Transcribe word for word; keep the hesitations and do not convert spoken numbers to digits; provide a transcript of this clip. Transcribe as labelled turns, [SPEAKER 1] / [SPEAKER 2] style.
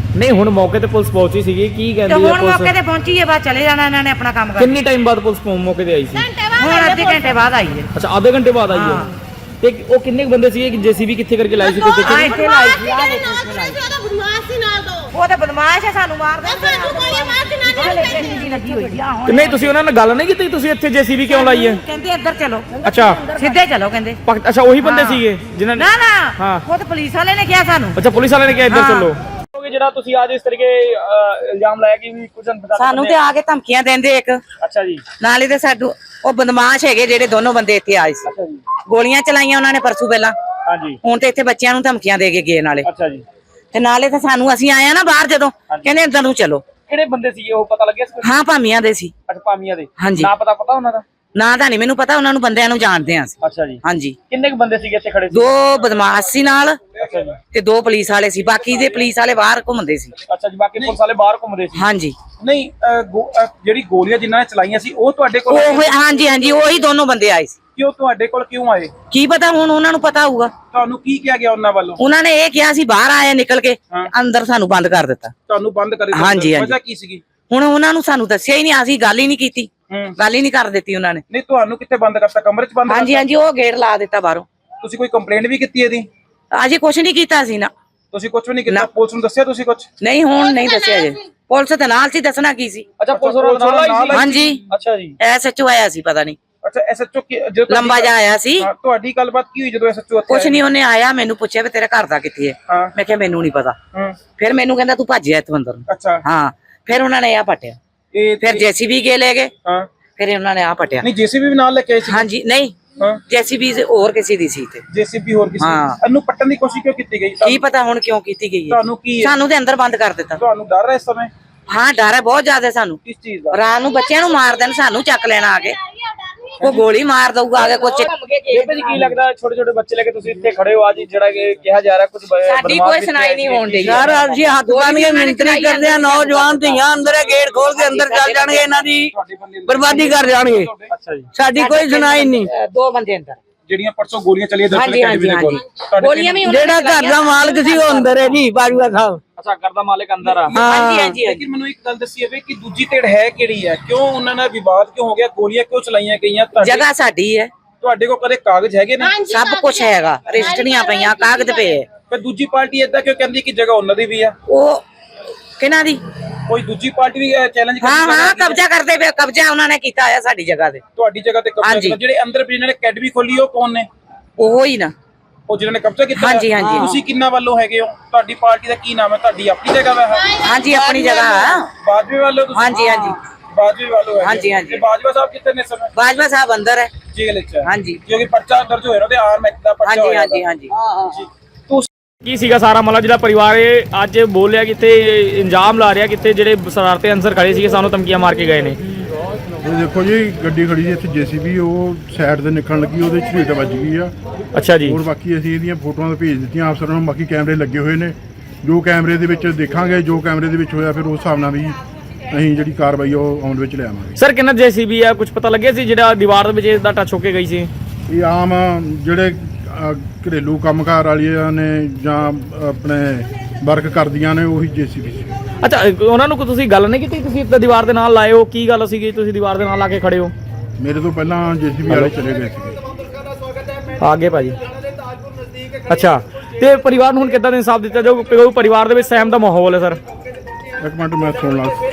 [SPEAKER 1] ਨਹੀਂ ਹੁਣ ਮੌਕੇ ਤੇ ਪੁਲਿਸ ਪਹੁੰਚੀ ਸੀਗੀ, ਕੀ ਕਹਿੰਦੀ ਹੈ
[SPEAKER 2] ਪੁਲਿਸ? ਮੌਕੇ ਤੇ ਪਹੁੰਚੀ ਹੈ, ਬਾਅਦ ਚਲੇ ਜਾਣਾ ਇਹਨਾਂ ਨੇ ਆਪਣਾ ਕੰਮ ਕਰ।
[SPEAKER 1] ਕਿੰਨੇ ਟਾਈਮ ਬਾਅਦ ਪੁਲਿਸ ਮੌਕੇ ਤੇ ਆਈ ਸੀ?
[SPEAKER 2] ਹੁਣ ਅੱਧੇ ਘੰਟੇ ਬਾਅਦ ਆਈ ਹੈ।
[SPEAKER 1] ਅੱਛਾ ਆਧੇ ਘੰਟੇ ਬਾਅਦ ਆਈ ਹੈ। ਤੇ ਉਹ ਕਿੰਨੇ ਬੰਦੇ ਸੀਗੇ? ਜੇਸੀਬੀ ਕਿੱਥੇ ਕਰਕੇ ਲਾਈ ਸੀ? ਕਿੱਥੇ
[SPEAKER 2] ਆ ਇੱਥੇ ਲਾਈ ਸੀ, ਆ ਦੇਖੋ ਇੱਥੇ ਲਾਈ। ਉਹ ਤਾਂ ਬਦਮਾਸ਼ ਹੈ, ਸਾਨੂੰ ਮਾਰ ਦੇ। ਲੱਗੀ ਹੋਈ ਆ ਹੁਣ।
[SPEAKER 1] ਨਹੀਂ ਤੁਸੀਂ ਉਹਨਾਂ ਨਾਲ ਗੱਲ ਨਹੀਂ ਕੀਤੀ? ਤੁਸੀਂ ਇੱਥੇ ਜੇਸੀਬੀ ਕਿਉਂ ਲਾਈ ਹੈ?
[SPEAKER 2] ਕਹਿੰਦੇ ਇੱਧਰ ਚਲੋ।
[SPEAKER 1] ਅੱਛਾ
[SPEAKER 2] ਸਿੱਧੇ ਚਲੋ ਕਹਿੰਦੇ।
[SPEAKER 1] ਅੱਛਾ ਉਹੀ ਬੰਦੇ ਸੀਗੇ ਜਿਨ੍ਹਾਂ ਨੇ?
[SPEAKER 2] ਨਾ ਨਾ ਉਹ ਤਾਂ ਪੁਲਿਸ ਵਾਲੇ ਨੇ ਕਿਹਾ ਸਾਨੂੰ।
[SPEAKER 1] ਅੱਛਾ ਪੁਲਿਸ ਵਾਲੇ ਨੇ ਕਿਹਾ ਇੱਧਰ ਚਲੋ। ਜਿਹੜਾ ਤੁਸੀਂ ਅੱਜ ਇਸ ਤਰੀਕੇ ਇਲਜ਼ਾਮ ਲਾਇਆ ਕਿ ਵੀ ਕੁਝ
[SPEAKER 2] ਸਾਨੂੰ ਤੇ ਆ ਕੇ ਧਮਕੀਆਂ ਦਿੰਦੇ ਇੱਕ।
[SPEAKER 1] ਅੱਛਾ ਜੀ।
[SPEAKER 2] ਨਾਲੇ ਤੇ ਸਾਡੂ ਉਹ ਬਦਮਾਸ਼ ਹੈਗੇ ਜਿਹੜੇ ਦੋਨੋਂ ਬੰਦੇ ਇੱਥੇ ਆਏ ਸੀ।
[SPEAKER 1] ਅੱਛਾ ਜੀ।
[SPEAKER 2] ਗੋਲੀਆਂ ਚਲਾਈਆਂ ਉਹਨਾਂ ਨੇ ਪਰਸੋਂ ਪਹਿਲਾਂ।
[SPEAKER 1] ਹਾਂਜੀ।
[SPEAKER 2] ਹੁਣ ਤੇ ਇੱਥੇ ਬੱਚਿਆਂ ਨੂੰ ਧਮਕੀਆਂ ਦੇ ਕੇ ਗਏ ਨਾਲੇ।
[SPEAKER 1] ਅੱਛਾ ਜੀ।
[SPEAKER 2] ਤੇ ਨਾਲੇ ਤੇ ਸਾਨੂੰ ਅਸੀਂ ਆਏ ਆ ਨਾ ਬਾਹਰ ਜਦੋਂ, ਕਹਿੰਦੇ ਇੱਧਰ ਨੂੰ ਚਲੋ।
[SPEAKER 1] ਕਿਹੜੇ ਬੰਦੇ ਸੀਗੇ ਉਹ ਪਤਾ ਲੱਗਿਆ ਸੀ?
[SPEAKER 2] ਹਾਂ ਭਾਮੀਆਂ ਦੇ ਸੀ।
[SPEAKER 1] ਅੱਛਾ ਭਾਮੀਆਂ ਦੇ।
[SPEAKER 2] ਹਾਂਜੀ।
[SPEAKER 1] ਨਾ ਪਤਾ ਪਤਾ ਉਹਨਾਂ ਦਾ?
[SPEAKER 2] ਨਾ ਤਾਂ ਨਹੀਂ ਮੈਨੂੰ ਪਤਾ, ਉਹਨਾਂ ਨੂੰ ਬੰਦਿਆਂ ਨੂੰ ਜਾਣਦੇ ਆ ਅਸੀਂ।
[SPEAKER 1] ਅੱਛਾ ਜੀ।
[SPEAKER 2] ਹਾਂਜੀ।
[SPEAKER 1] ਕਿੰਨੇ ਕੁ ਬੰਦੇ ਸੀਗੇ ਇੱਥੇ ਖੜੇ ਸੀ?
[SPEAKER 2] ਦੋ ਬਦਮਾਸ਼ ਸੀ ਨਾਲ।
[SPEAKER 1] ਅੱਛਾ ਜੀ।
[SPEAKER 2] ਤੇ ਦੋ ਪੁਲਿਸ ਵਾਲੇ ਸੀ, ਬਾਕੀ ਦੇ ਪੁਲਿਸ ਵਾਲੇ ਬਾਹਰ ਘੁੰਮਦੇ ਸੀ।
[SPEAKER 1] ਅੱਛਾ ਜੀ, ਬਾਕੀ ਪੁਲਿਸ ਵਾਲੇ ਬਾਹਰ ਘੁੰਮਦੇ ਸੀ।
[SPEAKER 2] ਹਾਂਜੀ।
[SPEAKER 3] ਨਹੀਂ ਜਿਹੜੀ ਗੋਲੀਆਂ ਜਿਨ੍ਹਾਂ ਨੇ ਚਲਾਈਆਂ ਸੀ ਉਹ ਤੁਹਾਡੇ ਕੋਲ?
[SPEAKER 2] ਉਹ ਹਾਂਜੀ ਹਾਂਜੀ ਉਹੀ ਦੋਨੋਂ ਬੰਦੇ ਆਏ ਸੀ।
[SPEAKER 3] ਕਿਉਂ ਤੁਹਾਡੇ ਕੋਲ ਕਿਉਂ ਆਏ?
[SPEAKER 2] ਕੀ ਪਤਾ, ਹੁਣ ਉਹਨਾਂ ਨੂੰ ਪਤਾ ਹੋਊਗਾ।
[SPEAKER 3] ਤੁਹਾਨੂੰ ਕੀ ਕਿਹਾ ਗਿਆ ਉਹਨਾਂ ਵੱਲੋਂ?
[SPEAKER 2] ਉਹਨਾਂ ਨੇ ਇਹ ਕਿਹਾ ਸੀ ਬਾਹਰ ਆਏ ਨਿਕਲ ਕੇ, ਅੰਦਰ ਸਾਨੂੰ ਬੰਦ ਕਰ ਦਿੱਤਾ।
[SPEAKER 3] ਤੁਹਾਨੂੰ ਬੰਦ ਕਰ ਦਿੱਤਾ?
[SPEAKER 2] ਹਾਂਜੀ ਹਾਂਜੀ।
[SPEAKER 3] ਵਜ੍ਹਾ ਕੀ ਸੀਗੀ?
[SPEAKER 2] ਹੁਣ ਉਹਨਾਂ ਨੂੰ ਸਾਨੂੰ ਦੱਸਿਆ ਹੀ ਨਹੀਂ, ਅਸੀਂ ਗੱਲ ਹੀ ਨਹੀਂ ਕੀਤੀ, ਗੱਲ ਹੀ ਨਹੀਂ ਕਰ ਦਿੱਤੀ ਉਹਨਾਂ ਨੇ।
[SPEAKER 3] ਨਹੀਂ ਤੁਹਾਨੂੰ ਕਿੱਥੇ ਬੰਦ ਕਰਤਾ? ਕਮਰੇ 'ਚ ਬੰਦ?
[SPEAKER 2] ਹਾਂਜੀ ਹਾਂਜੀ ਉਹ ਗੇਟ ਲਾ ਦਿੱਤਾ ਬਾਹਰੋਂ।
[SPEAKER 3] ਤੁਸੀਂ ਕੋਈ ਕੰਪਲੇਂਟ ਵੀ ਕੀਤੀ ਇਹਦੀ?
[SPEAKER 2] ਅਜੇ ਕੁਛ ਨਹੀਂ ਕੀਤਾ ਸੀ ਨਾ।
[SPEAKER 3] ਤੁਸੀਂ ਕੁਝ ਵੀ ਨਹੀਂ ਕੀਤਾ? ਪੁਲਿਸ ਨੂੰ ਦੱਸਿਆ ਤੁਸੀਂ ਕੁਝ?
[SPEAKER 2] ਨਹੀਂ ਹੁਣ ਨਹੀਂ ਦੱਸਿਆ ਜੇ। ਪੁਲਿਸ ਤੇ ਨਾਲ ਸੀ, ਦੱਸਣਾ ਕੀ ਸੀ।
[SPEAKER 1] ਅੱਛਾ ਪੁਲਿਸ ਨਾਲ ਆਈ ਸੀ?
[SPEAKER 2] ਹਾਂਜੀ।
[SPEAKER 1] ਅੱਛਾ ਜੀ।
[SPEAKER 2] ਐਸਐਚਓ ਆਇਆ ਸੀ, ਪਤਾ ਨਹੀਂ
[SPEAKER 3] ਅੱਛਾ ਐਸਐਚਓ ਜਦੋਂ
[SPEAKER 2] ਲੰਬਾ ਜਿਹਾ ਆਇਆ ਸੀ।
[SPEAKER 3] ਤੁਹਾਡੀ ਗੱਲਬਾਤ ਕੀ ਹੋਈ ਜਦੋਂ ਐਸਐਚਓ ਉੱਥੇ?
[SPEAKER 2] ਕੁਛ ਨਹੀਂ, ਉਹਨੇ ਆਇਆ ਮੈਨੂੰ ਪੁੱਛਿਆ ਵੀ ਤੇਰਾ ਘਰ ਦਾ ਕਿੱਥੇ ਹੈ। ਮੈਂ ਕਿਹਾ ਮੈਨੂੰ ਨਹੀਂ ਪਤਾ। ਫਿਰ ਮੈਨੂੰ ਕਹਿੰਦਾ ਤੂੰ ਭੱਜਿਆ ਇੱਥੋਂ ਅੰਦਰ ਨੂੰ।
[SPEAKER 3] ਅੱਛਾ।
[SPEAKER 2] ਹਾਂ ਫਿਰ ਉਹਨਾਂ ਨੇ ਆ ਪਟਿਆ।
[SPEAKER 3] ਇਹ
[SPEAKER 2] ਫਿਰ ਜੇਸੀਬੀ ਕੇ ਲੈ ਗਏ।
[SPEAKER 3] ਹਾਂ
[SPEAKER 2] ਫਿਰ ਉਹਨਾਂ ਨੇ ਆ ਪਟਿਆ।
[SPEAKER 3] ਨਹੀਂ ਜੇਸੀਬੀ ਵੀ ਨਾਲ ਲੈ ਕੇ ਆਏ ਸੀ?
[SPEAKER 2] ਹਾਂਜੀ। ਨਹੀਂ ਜੇਸੀਬੀ ਹੋਰ ਕਿਸੇ ਦੀ ਸੀ ਤੇ।
[SPEAKER 3] ਜੇਸੀਬੀ ਹੋਰ ਕਿਸੇ ਦੀ? ਇਹਨੂੰ ਪੱਟਣ ਦੀ ਕੋਸ਼ਿਸ਼ ਕਿਉਂ ਕੀਤੀ ਗਈ?
[SPEAKER 2] ਕੀ ਪਤਾ ਹੁਣ ਕਿਉਂ ਕੀਤੀ ਗਈ ਹੈ।
[SPEAKER 3] ਤੁਹਾਨੂੰ ਕੀ
[SPEAKER 2] ਸਾਨੂੰ ਤੇ ਅੰਦਰ ਬੰਦ ਕਰ ਦਿੱਤਾ।
[SPEAKER 3] ਤੁਹਾਨੂੰ ਡਰ ਹੈ ਇਸ ਸਮੇਂ?
[SPEAKER 2] ਹਾਂ ਡਰ ਹੈ ਬਹੁਤ ਜ਼ਿਆਦਾ ਸਾਨੂੰ।
[SPEAKER 3] ਕਿਸ ਚੀਜ਼ ਦਾ?
[SPEAKER 2] ਰਾਤ ਨੂੰ ਬੱਚਿਆਂ ਨੂੰ ਮਾਰ ਦੇਣ, ਸਾਨੂੰ ਚੱਕ ਲੈਣਾ ਆ ਕੇ। ਉਹ ਗੋਲੀ ਮਾਰ ਦਊਗਾ ਆ ਕੇ ਕੁਛ।
[SPEAKER 1] ਬੇਬੇ ਜੀ ਕੀ ਲੱਗਦਾ ਛੋਟੇ ਛੋਟੇ ਬੱਚੇ ਲੈ ਕੇ ਤੁਸੀਂ ਇੱਥੇ ਖੜੇ ਹੋ ਅੱਜ, ਜਿਹੜਾ ਕਿ ਕਿਹਾ ਜਾ ਰਿਹਾ ਕੁਝ
[SPEAKER 2] ਸਾਡੀ ਕੋਈ ਸੁਣਾਈ ਨਹੀਂ ਹੋਣ ਡਈ
[SPEAKER 4] ਯਾਰ ਅਸੀਂ ਹੱਥ ਬੰਨ ਕੇ ਮਿੰਟਰੀ ਕਰਦੇ ਆ, ਨੌਜਵਾਨ ਧੀਆਂ ਅੰਦਰ ਗੇਟ ਖੋਲ ਕੇ ਅੰਦਰ ਚੱਲ ਜਾਣਗੇ, ਇਹਨਾਂ ਦੀ ਬਰਬਾਦੀ ਕਰ ਜਾਣਗੇ।
[SPEAKER 1] ਅੱਛਾ ਜੀ।
[SPEAKER 4] ਸਾਡੀ ਕੋਈ ਸੁਣਾਈ ਨਹੀਂ।
[SPEAKER 2] ਦੋ ਬੰਦੇ ਅੰਦਰ
[SPEAKER 3] ਜਿਹੜੀਆਂ ਪਰਸੋਂ ਗੋਲੀਆਂ ਚੱਲੀਆਂ ਦਰਸ਼ਨ ਅਕੈਡਮੀ ਦੇ ਕੋਲ,
[SPEAKER 2] ਗੋਲੀਆਂ ਵੀ
[SPEAKER 4] ਜਿਹੜਾ ਘਰ ਦਾ ਮਾਲਕ ਸੀ ਉਹ ਅੰਦਰ ਹੈ ਜੀ, ਬਾਜੂਆ ਸਾਹਿਬ।
[SPEAKER 1] ਅੱਛਾ ਘਰ ਦਾ ਮਾਲਕ ਅੰਦਰ ਆ?
[SPEAKER 2] ਹਾਂਜੀ ਹਾਂਜੀ।
[SPEAKER 3] ਲੇਕਿਨ ਮੈਨੂੰ ਇੱਕ ਗੱਲ ਦੱਸੀ ਜਾਵੇ ਕਿ ਦੂਜੀ ਧਿਰ ਹੈ ਕਿਹੜੀ ਹੈ? ਕਿਉਂ ਉਹਨਾਂ ਨਾਲ ਵਿਵਾਦ ਕਿਉਂ ਹੋ ਗਿਆ? ਗੋਲੀਆਂ ਕਿਉਂ ਚਲਾਈਆਂ ਗਈਆਂ?
[SPEAKER 2] ਜਗ੍ਹਾ ਸਾਡੀ ਹੈ।
[SPEAKER 3] ਤੁਹਾਡੇ ਕੋਲ ਕਦੇ ਕਾਗਜ਼ ਹੈਗੇ ਨੇ?
[SPEAKER 2] ਸਭ ਕੁਝ ਹੈਗਾ, ਰਜਿਸਟਰੀਆਂ ਪਈਆਂ, ਕਾਗਜ਼ ਪਏ।
[SPEAKER 3] ਪਰ ਦੂਜੀ ਪਾਰਟੀ ਏਦਾਂ ਕਿਉਂ ਕਹਿੰਦੀ ਕਿ ਜਗ੍ਹਾ ਉਹਨਾਂ ਦੀ ਵੀ ਆ?
[SPEAKER 2] ਉਹ ਕਿਹਨਾਂ ਦੀ?
[SPEAKER 3] ਕੋਈ ਦੂਜੀ ਪਾਰਟੀ ਵੀ ਚੈਲੰਜ ਕਰਦੀ?
[SPEAKER 2] ਹਾਂ ਹਾਂ ਕਬਜ਼ਾ ਕਰਦੇ ਪਏ, ਕਬਜ਼ਾ ਉਹਨਾਂ ਨੇ ਕੀਤਾ ਆ ਸਾਡੀ ਜਗ੍ਹਾ ਤੇ।
[SPEAKER 3] ਤੁਹਾਡੀ ਜਗ੍ਹਾ ਤੇ ਕਬਜ਼ਾ ਕੀਤਾ? ਜਿਹੜੇ ਅੰਦਰ ਜਿਹਨਾਂ ਨੇ ਅਕੈਡਮੀ ਖੋਲੀ ਉਹ ਕੌਣ ਨੇ?
[SPEAKER 2] ਉਹ ਹੀ ਨਾ,
[SPEAKER 3] ਉਹ ਜਿਹਨਾਂ ਨੇ ਕਬਜ਼ਾ ਕੀਤਾ?
[SPEAKER 2] ਹਾਂਜੀ ਹਾਂਜੀ।
[SPEAKER 3] ਤੁਸੀਂ ਕਿੰਨਾ ਵੱਲੋਂ ਹੈਗੇ ਹੋ? ਤੁਹਾਡੀ ਪਾਰਟੀ ਦਾ ਕੀ ਨਾਮ ਹੈ? ਤੁਹਾਡੀ ਆਪਣੀ ਜਗ੍ਹਾ ਵਾ?
[SPEAKER 2] ਹਾਂਜੀ ਆਪਣੀ ਜਗ੍ਹਾ।
[SPEAKER 3] ਬਾਜਵੇ ਵੱਲੋਂ ਤੁਸੀਂ?
[SPEAKER 2] ਹਾਂਜੀ ਹਾਂਜੀ
[SPEAKER 3] ਬਾਜਵੇ ਵੱਲੋਂ ਹੈ?
[SPEAKER 2] ਹਾਂਜੀ ਹਾਂਜੀ।
[SPEAKER 3] ਬਾਜਵਾ ਸਾਹਿਬ ਕਿੱਥੇ ਨੇ ਸਮੇਂ?
[SPEAKER 2] ਬਾਜਵਾ ਸਾਹਿਬ ਅੰਦਰ ਹੈ
[SPEAKER 3] ਜੇਲ੍ਹ ਵਿੱਚ।
[SPEAKER 2] ਹਾਂਜੀ।
[SPEAKER 3] ਕਿਉਂਕਿ ਪਰਚਾ ਦਰਜ ਹੋਇਆ ਉਹਦੇ ਆਰਮ ਐਕਟ ਦਾ ਪਰਚਾ
[SPEAKER 2] ਹਾਂਜੀ
[SPEAKER 3] ਹੋਇਆ।
[SPEAKER 2] ਹਾਂਜੀ ਹਾਂਜੀ।
[SPEAKER 1] ਕੀ ਸੀਗਾ ਸਾਰਾ ਮਾਮਲਾ ਜਿਹੜਾ ਪਰਿਵਾਰ ਇਹ ਅੱਜ ਬੋਲਿਆ ਕਿਤੇ ਇੰਜਾਮ ਲਾ ਰਿਹਾ ਕਿਤੇ ਜਿਹੜੇ ਸ਼ਰਾਰਤੀ ਅਨਸਰ ਖੜੇ ਸੀਗੇ ਸਾਨੂੰ ਧਮਕੀਆਂ ਮਾਰ ਕੇ ਗਏ ਨੇ?
[SPEAKER 5] ਇਹ ਦੇਖੋ ਜੀ ਗੱਡੀ ਖੜੀ ਸੀ ਇੱਥੇ ਜੇਸੀਬੀ, ਉਹ ਸਾਈਡ ਤੇ ਨਿਕਲਣ ਲੱਗੀ, ਉਹਦੇ ਝਰੀਟ ਵੱਜ ਗਈ ਆ।
[SPEAKER 1] ਅੱਛਾ ਜੀ।
[SPEAKER 5] ਹੋਰ ਬਾਕੀ ਅਸੀਂ ਇਹਦੀਆਂ ਫੋਟੋਆਂ ਤਾਂ ਭੇਜ ਦਿੱਤੀਆਂ ਅਫਸਰਾਂ ਨੂੰ, ਬਾਕੀ ਕੈਮਰੇ ਲੱਗੇ ਹੋਏ ਨੇ, ਜੋ ਕੈਮਰੇ ਦੇ ਵਿੱਚ ਦੇਖਾਂਗੇ, ਜੋ ਕੈਮਰੇ ਦੇ ਵਿੱਚ ਹੋਇਆ ਫਿਰ ਉਸ ਹਿਸਾਬ ਨਾਲ ਵੀ ਅਸੀਂ ਜਿਹੜੀ ਕਾਰਵਾਈ ਉਹ ਆਉਣ ਵਿੱਚ ਲਿਆਵਾਂਗੇ।
[SPEAKER 1] ਸਰ ਕਿੰਨਾ ਜੇਸੀਬੀ ਆ, ਕੁਝ ਪਤਾ ਲੱਗਿਆ ਸੀ ਜਿਹੜਾ ਦੀਵਾਰ ਦੇ ਵਿੱਚ ਇਹਦਾ ਟੱਚ ਹੋ ਕੇ ਗਈ ਸੀ?
[SPEAKER 5] ਇਹ ਆਮ ਜਿਹੜੇ ਘਰੇਲੂ ਕੰਮਕਾਰ ਵਾਲੀਆਂ ਨੇ ਜਾਂ ਆਪਣੇ ਵਰਕ ਕਰਦੀਆਂ ਨੇ ਉਹੀ ਜੇਸੀਬੀ ਸੀ।
[SPEAKER 1] ਅੱਛਾ ਉਹਨਾਂ ਨੂੰ ਤੁਸੀਂ ਗੱਲ ਨਹੀਂ ਕੀਤੀ? ਤੁਸੀਂ ਤਾਂ ਦੀਵਾਰ ਦੇ ਨਾਲ ਲਾਏ ਹੋ, ਕੀ ਗੱਲ ਸੀਗੀ ਤੁਸੀਂ ਦੀਵਾਰ ਦੇ ਨਾਲ ਲਾ ਕੇ ਖੜੇ ਹੋ?
[SPEAKER 5] ਮੇਰੇ ਤੋਂ ਪਹਿਲਾਂ ਜੇਸੀਬੀ ਵਾਲੇ ਚਲੇ ਗਏ ਸੀਗੇ।
[SPEAKER 1] ਆਗੇ ਭਾਜੀ। ਅੱਛਾ ਤੇ ਪਰਿਵਾਰ ਨੂੰ ਹੁਣ ਕਿੱਦਾਂ ਦਾ ਇਨਸਾਫ ਦਿੱਤਾ ਜਾਊ? ਪਰਿਵਾਰ ਦੇ ਵਿੱਚ ਸਹਿਮ ਦਾ ਮਾਹੌਲ ਹੈ ਸਰ?
[SPEAKER 5] ਇੱਕ ਮਿੰਟ ਮੈਂ ਸੁਣ ਲਾ।